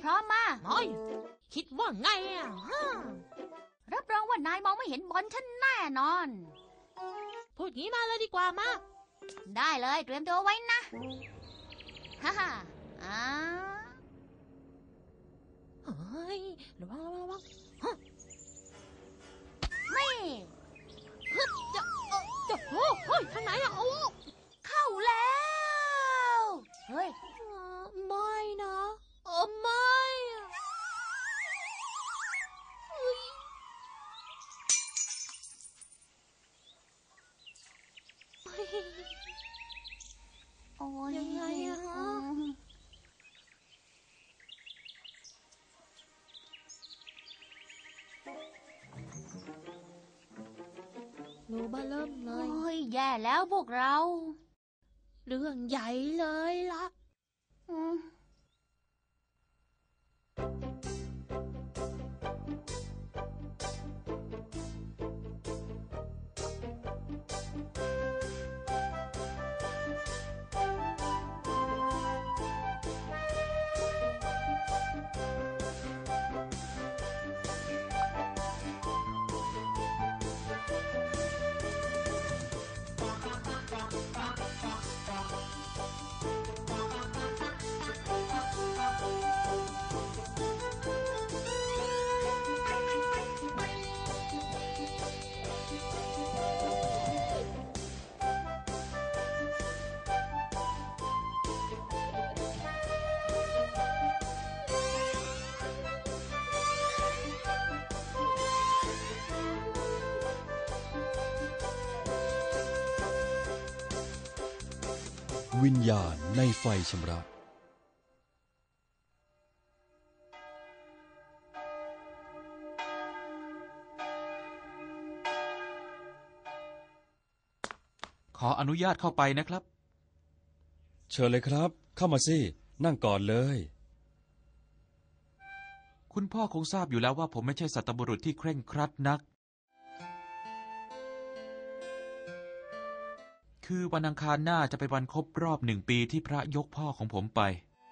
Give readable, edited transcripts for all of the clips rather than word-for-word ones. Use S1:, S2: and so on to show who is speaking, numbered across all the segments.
S1: ร้อมมา
S2: น้อยคิดว่าไง
S1: รับรองว่านายมองไม่เห็นบอลฉันแน่นอน
S2: พูดงี้มาเลยดีกว่ามา
S1: ได้เลยเตรียมตัวไว้นะฮ่าฮ่า
S2: เฮ้ยระวัง
S1: ไม่
S2: ฮึบจะโอ้เฮ้ยทางไหนอะโอ้
S1: เข้าแล้วเฮ้ย
S2: ไม่นะไม่
S1: โอ้ย
S2: ยังไงอะรูบ้าเริ่มเลย
S1: โอ้ยแย่แล้วพวกเรา
S2: เรื่องใหญ่เลยล่ะ
S3: วิญญาณในไฟชำระ
S4: ขออนุญาตเข้าไปนะครับ
S3: เชิญเลยครับเข้ามาสินั่งก่อนเลย
S4: คุณพ่อคงทราบอยู่แล้วว่าผมไม่ใช่สัตบุรุษที่เคร่งครัดนักคือวันอังคารหน้าจะเป็นวันครบรอบ1 ปีที่พระยกพ่อของผมไป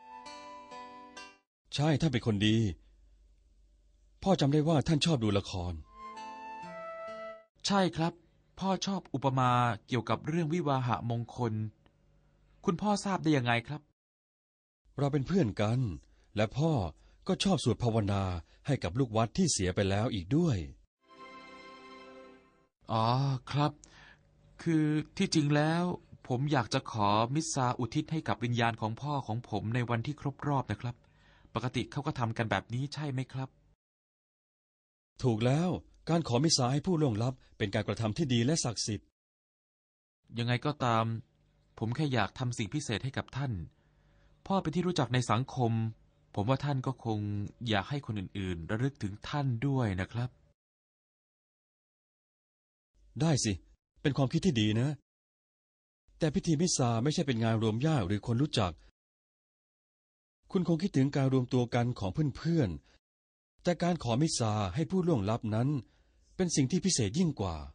S3: ใช่ท่านเป็นคนดีพ่อจำได้ว่าท่านชอบดูละคร
S4: ใช่ครับพ่อชอบอุปมาเกี่ยวกับเรื่องวิวาหะมงคลคุณพ่อทราบได้ยังไงครับ
S3: เราเป็นเพื่อนกันและพ่อก็ชอบสวดภาวนาให้กับลูกวัดที่เสียไปแล้วอีกด้วย
S4: อ๋อครับคือที่จริงแล้วผมอยากจะขอมิสซาอุทิศให้กับวิญญาณของพ่อของผมในวันที่ครบรอบนะครับปกติเขาก็ทำกันแบบนี้ใช่ไหมครับ
S3: ถูกแล้วการขอมิสซาให้ผู้ล่วงลับเป็นการกระทำที่ดีและศักดิ์สิทธิ์
S4: ยังไงก็ตามผมแค่อยากทำสิ่งพิเศษให้กับท่านพ่อเป็นที่รู้จักในสังคมผมว่าท่านก็คงอยากให้คนอื่นๆระลึกถึงท่านด้วยนะครับ
S3: ได้สิเป็นความคิดที่ดีนะแต่พิธีมิสซาไม่ใช่เป็นงานรวมญาติหรือคนรู้จักคุณคงคิดถึงการรวมตัวกันของเพื่อนๆแต่การขอมิสซาให้ผู้ล่วงลับนั้นเป็นสิ่งที่พิเศษยิ่งกว่า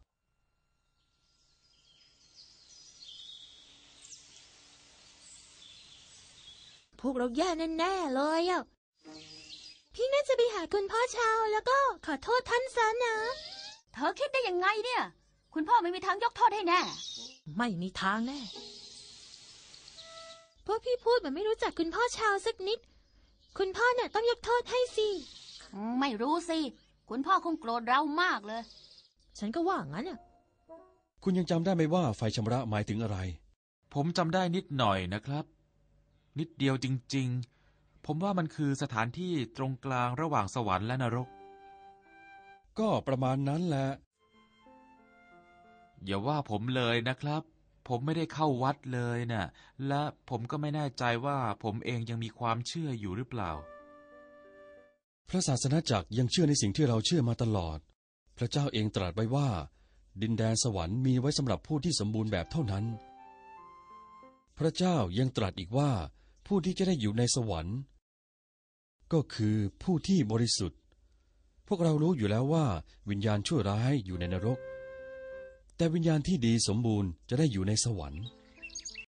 S2: พวกเราแย่แน่ๆเลยอ่ะพี่น่าจะไปหาคุณพ่อชาวแล้วก็ขอโทษท่านซะนะ
S1: เธอคิดได้ยังไงเนี่ยคุณพ่อไม่มีทางยกโทษให้แน่
S2: ไม่มีทางแน่พวกพี่พูดเหมือนไม่รู้จักคุณพ่อชาวสักนิดคุณพ่อเนี่ยต้องยกโทษให้สิ
S1: ไม่รู้สิคุณพ่อคงโกรธเรามากเลย
S2: ฉันก็ว่างั้นอ่ะ
S3: คุณยังจำได้ไหมว่าไฟชำระหมายถึงอะไร
S4: ผมจำได้นิดหน่อยนะครับนิดเดียวจริงๆผมว่ามันคือสถานที่ตรงกลางระหว่างสวรรค์และนรก
S3: ก็ประมาณนั้นแหละ
S4: อย่าว่าผมเลยนะครับผมไม่ได้เข้าวัดเลยน่ะและผมก็ไม่แน่ใจว่าผมเองยังมีความเชื่ออยู่หรือเปล่า
S3: พระศาสนาจักรยังเชื่อในสิ่งที่เราเชื่อมาตลอดพระเจ้าเองตรัสไว้ว่าดินแดนสวรรค์มีไว้สำหรับผู้ที่สมบูรณ์แบบเท่านั้นพระเจ้ายังตรัสอีกว่าผู้ที่จะได้อยู่ในสวรรค์ก็คือผู้ที่บริสุทธิ์พวกเรารู้อยู่แล้วว่าวิญญาณชั่วร้ายอยู่ในนรกแต่วิญญาณที่ดีสมบูรณ์จะได้อยู่ในสวรรค์